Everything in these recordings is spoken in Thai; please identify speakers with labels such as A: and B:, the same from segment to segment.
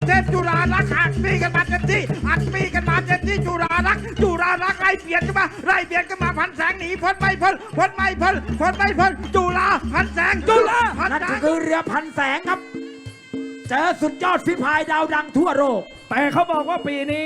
A: เทพจุฬาลักษณ์หักปีกันมาเต็มที่หักปีกันมาเต็มที่จุฬาลักษณ์ไล่เบียดกันมาพันแสงหนีพ้นไม่พ้นจุฬาพันแสง
B: นั่นก็คือเรือพันแสงครับเจอสุดยอดฝีพายดาวดังทั่วโลก
C: แต่เขาบอกว่าปีนี้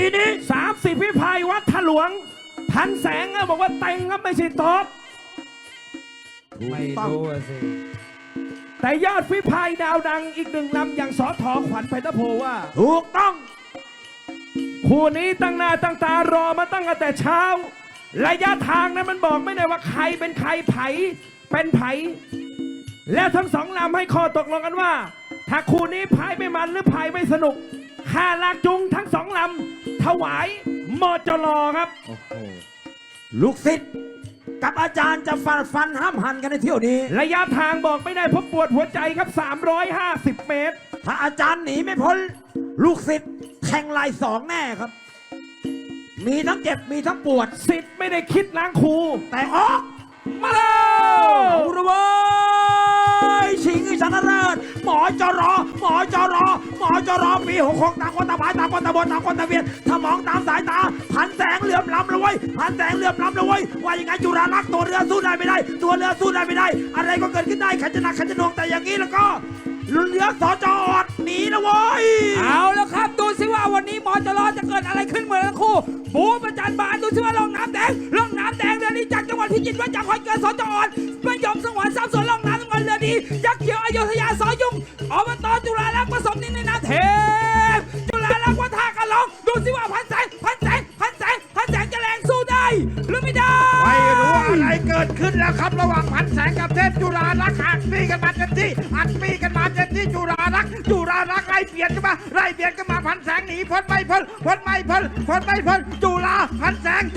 C: 30ฝีพายวัดถลวงพันแสงบอกว่าเต็งครับไม่ใช่ตอบ
D: ไม่รู้สิ
C: แต่ยอดฝีพายดาวดังอีกหนึ่งลำอย่างสอทอขวัญไพตะโพว่า
B: ถูกต้อง
C: คู่นี้ตั้งหน้าตั้งตารอมาตั้งแต่เช้าระยะทางนั้นมันบอกไม่ได้ว่าใครเป็นใครไผเป็นไผแล้วทั้งสองลำให้ข้อตกลงกันว่าถ้าคู่นี้พายไม่มันหรือพายไม่สนุกค่าลากจูงทั้งสองลำถวายมจรครับ
B: ลูกศิษย์กับอาจารย์จะฟันห้ามหันกันในเที่ยวนี้
C: ระยะทางบอกไม่ได้เพราะปวดหัวใจครับ350 เมตร
B: ถ้าอาจารย์หนีไม่พ้นลูกศิษย์แทงลายสองแน่ครับมีทั้งเจ็บมีทั้งปวด
C: ศิษย์ไม่ได้คิดล้างครู
B: แต่ออกมาแล้วเอาละเว้ยชิงชนะเลิศหมอจรปี66ต่างคนต่างพายต่างคนต่างบนต่างคนต่างเวียนถ้ามองตามสายตาพันแสงเหลื่อมล้ำเลยว่ายังไงจุฬาลักษณ์ตัวเรือสู้ได้ไม่ได้อะไรก็เกิดขึ้นได้ขันจะหนักขันจะหน่วงแต่อย่างนี้แล้วก็เรือสจอดหนีนะเว้ย
D: เอาแล้วครับดูสิว่าวันนี้หมอจรจะเกิดอะไรขึ้นเหมือนคู่ปูประจันบานดูสิว่าล่องน้ำแดงเรือนี้จากจังหวัดพิจิตรว่าจากคอยเกิดสจอดไม่ยอมสงวน3 ส่วนล่องน้ำเรือดียักษ์เขียวอยุธยาสอยุ่งอบตจุฬาลักษณ์ผสมนินในน้ำเทพจุฬาลักษณ์วัดท่ากันลองดูสิว่าพันแสงจะแรงสู้ได้หรือไม่ได้
A: ไม่รู้อะไรเกิดขึ้นแล้วครับระหว่างพันแสงกับเทพจุฬาลักษณ์หักปีกันมาเต็มที่จุฬาลักษณ์ไล่เบียดกันมาพันแสงหนีพ้นไม่พ้นจุฬาพันแสง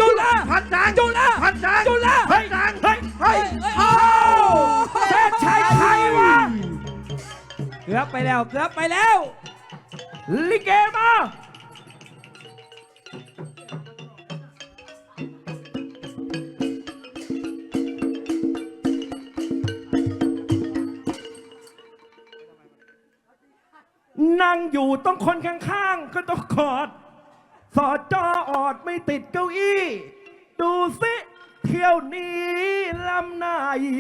A: เฮ้ย
C: เศษชัยไทยวะ
D: เกือบไปแล้ว
C: ลิเกมานั่งอยู่ต้องคนข้างๆก็ต้องกอดสอจออดไม่ติดเก้าอี้ดูสิเที่ยวนี้ลำไหน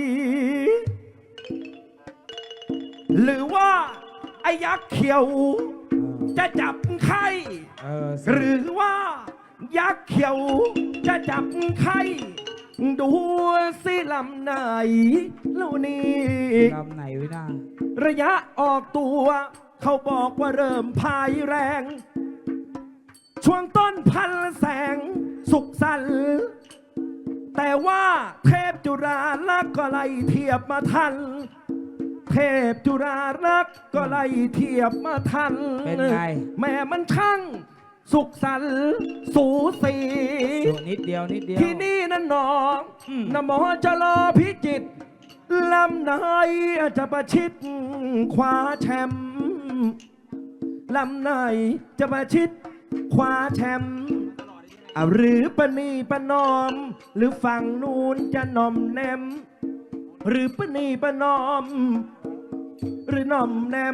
C: หรือว่าไอ้ยักษ์เขียวจะจับไข่หรือว่ายักษ์เขียวจะจับไข่ดูสิลำไหนแล้วนี่
D: ลำไหนวินา
C: ระยะออกตัวเขาบอกว่าเริ่มพายแรงช่วงต้นพันแสงสุขสันต์แต่ว่าเทพจุฬาลักษณ์ก็ไล่เทียบมาทันเทพจุฬาลักษณ์ก็ไล่เทียบมาทัน
D: เป็นไง
C: แม่มันช่างสุขสันต์สูสี
D: นิดเดียว
C: ที่นี่นั่นน้องนโมจะรอพิจิตรลำไหนจะประชิดคว้าแชมป์ลำไหนจะมาชิดคว้าแชมป์หรือปณีประนอมหรือฝั่งนู้นจะนอมแนมหรือปณีประนอมหรือนอมแนม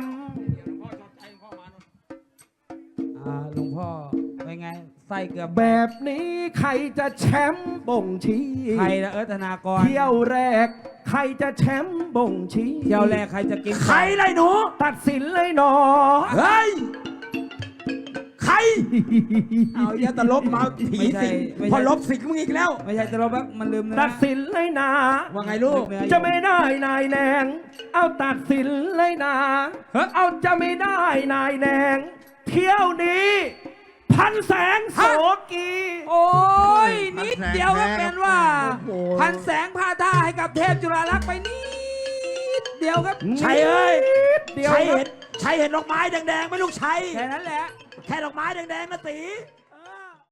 D: หลวงพ่อเป็นไงไส้เกือบ
C: แบบนี้ใครจะแชมป์บ่งชี้
D: ใครละธนากร
C: เที่ยวแรกใครจะแชมป์บ่งชี้
D: เที่ยวแรกใครจะกิน
B: ใครเลยหนู
C: ตัดสินเลยหนอ
B: เฮ้ยใครเอาอย่าตลบมาผีสิพอลบสิมึงอีกแล้ว
D: ไม่ใช่ตลบแบบมันลืมนะ
C: ตัดสินเลยนะ
B: ว่าไงลูก
C: จะไม่ได้นายแนงเอาตัดสินเลยนะเอาจะไม่ได้นายแนงเที่ยวนี้พันแสงโสกี
D: โอ้ยนิดเดียวก็เป็นว่าพันแสงพาท่าให้กับเทพจุฬาลักษณ์ไปนิดเดียวครับ
B: ชัยเอ้ยชัยเห็นดอกไม้แดงๆไหมลูกชัย
D: แค่นั้นแหละ
B: แค่ดอกไม้แดงๆนะตี